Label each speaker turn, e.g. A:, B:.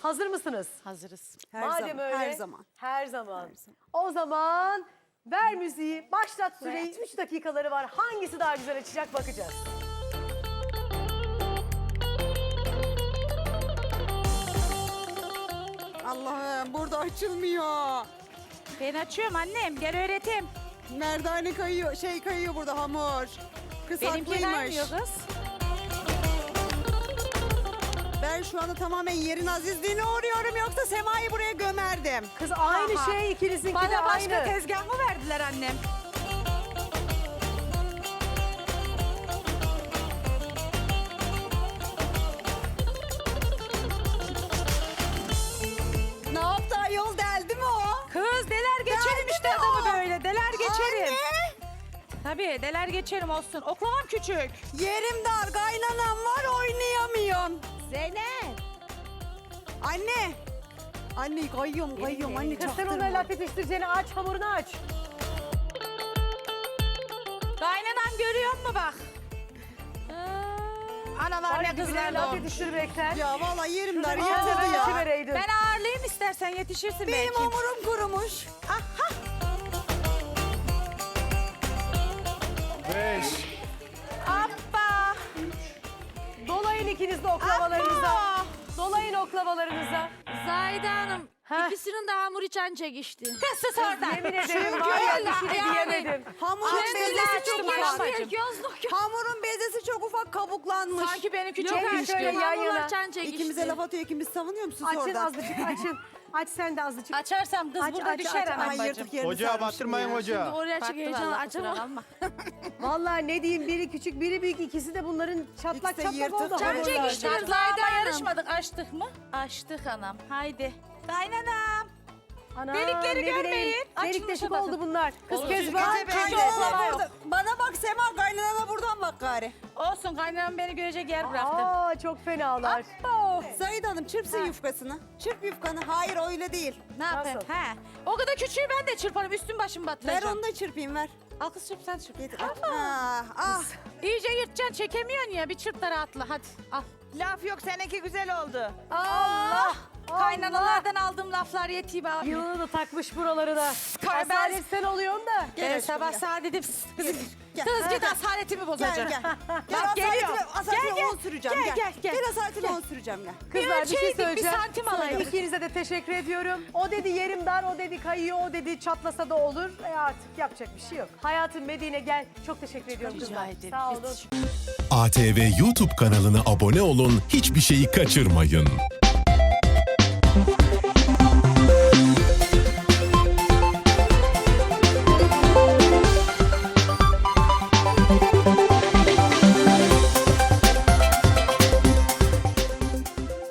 A: Hazır mısınız?
B: Hazırız.
A: Madem öyle.
C: Her zaman.
A: Her zaman. O zaman ver müziği, başlat süreyi. 3 dakikaları var. Hangisi daha güzel açacak bakacağız.
C: Allah'ım burada açılmıyor.
B: Ben açıyorum annem. Gel öğreteyim.
C: Merdane kayıyor, kayıyor burada hamur. Kız
B: Benimki
C: haklıymış.
B: kaymıyor kız.
C: Ben şu anda tamamen yerin azizliğine uğruyorum yoksa Sema'yı buraya gömerdim.
A: Kız aynı
B: Aha.
A: şey, ikinizinki de
B: Bana başka
A: aynı.
B: tezgah mı verdiler annem?
C: Ne yaptı ayol, deldi mi o?
B: Kız deler geçerim
C: Geldi
B: işte
C: mi
B: adamı
C: o?
B: böyle. Deler geçerim.
C: Anne!
B: Tabii deler geçerim olsun. Oklavam küçük.
C: Yerim dar, kaynanam var, oynayamıyorum.
B: Zeynep.
C: Anne! Anne kayıyorum anne,
A: Kız sen
C: çaktırma.
A: ona laf yetiştireceğini aç, hamurunu aç.
B: Kaynanan görüyor mu bak? Analar ne kızlar
A: laf
B: doğmuş.
A: yetiştirmekten.
C: Ya vallahi yerim dar,
A: Şurada bir
C: yatıldı ya.
A: vereydin.
B: Ben ağırlayayım istersen yetişirsin
C: Benim
B: belki.
C: hamurum kurumuş. Aha!
D: 5.
B: Hoppa.
A: Dolayın ikiniz de oklavalarınıza.
B: Abba.
A: Dolayın oklavalarınıza.
E: Zahide Hanım,
A: Heh.
E: ikisinin de hamur içen çekişti.
B: Kız sus oradan.
A: Yemin ederim
C: Çünkü
A: var ya
B: öyle,
A: bir şey de
B: yani.
A: diyemedim.
C: Hamurun
B: Açtı,
C: bezesi
B: açtı
C: çok
B: bana
C: ufak.
B: bacım.
C: Hamurun bezesi çok ufak kabuklanmış.
B: Sanki benimki
E: Yok
B: çok
A: Çekin
E: artık
A: şöyle yan yana.
E: hamurlar çen çekişti.
C: İkimize laf atıyor, ikimiz savunuyor musunuz
A: Açın
C: orada?
A: azıcık, açın. Aç sen de azıcık.
B: Açarsam kız
A: Aç,
B: burada
A: aç,
B: düşer
A: aç,
B: hemen
C: Ay
B: bacım.
C: yırtık yerini
D: Ocağa
C: sarmışım
D: bastırmayın
C: ya.
D: ocağı.
E: Oraya çık
B: Farklı
E: heyecan
B: vallahi,
E: açamam.
B: kusura kalma.
A: Vallahi ne diyeyim, biri küçük biri büyük, ikisi de bunların çatlak
C: İkisi de
A: çatlak
C: yırtık.
A: oldu.
C: Çen
A: hamurlar.
E: çekişti. Zahide
B: Çatlağıma
E: Hanım.
B: yarışmadık. Açtık mı? Açtık anam. Haydi. Kaynanam.
A: Anam,
B: Delikleri
A: ne bileyim,
B: görmeyin.
A: Delik
B: Açılmışa
A: deşik
B: bakın.
A: oldu bunlar. Kız
B: Olur.
A: Kezban,
C: Ay, kaynanana burada. Bana bak Sema, kaynanana buradan bak gari.
B: Olsun kaynanam beni görecek yer bıraktı.
A: Aa çok fenalar.
B: Abbo.
C: Zahide Hanım çırpsın yufkasını. Çırp yufkanı. Hayır öyle değil.
B: Ne yapayım?
A: Nasıl?
B: He. O kadar küçüğü ben de çırparım. Üstüm başım
C: Ver
B: batıracağım.
C: onu da çırpayım, ver.
B: Al kız çırp sen çırp.
C: Getir. Ah, ah.
B: İyice yırtacaksın çekemiyorsun ya. Bir çırp da rahatla hadi al.
F: Laf yok, seninki güzel oldu.
B: Allah! Kaynanalardan aldığım laflar yetiyor abi.
A: Yılını da takmış buralarına.
B: Kay-
A: Asalet sen oluyorsun da.
C: Gel
B: Ben
C: aşkım,
B: sabah
C: gel.
B: saat dedim. Kız,
C: Gel.
B: kız git asaletimi
C: Gel
B: bozacak.
C: gel. Gel
B: Bak, geliyor.
C: asaletime
B: Gel,
C: 10 süreceğim.
B: gel.
C: Asaletime 10 süreceğim gel.
A: Kızlar bir şey
B: ölçeydik, bir
A: söyleyeceğim.
B: santim alayım.
A: İkinize de teşekkür ediyorum. O dedi yerim dar, o dedi kayıyor, o dedi çatlasa da olur. Artık yapacak bir şey yok. Hayatım Medine gel. Çok teşekkür ediyorum
B: Rica
A: kızlar.
B: ederim.
A: Sağ olun.
G: ATV YouTube kanalına abone olun, hiçbir şeyi kaçırmayın.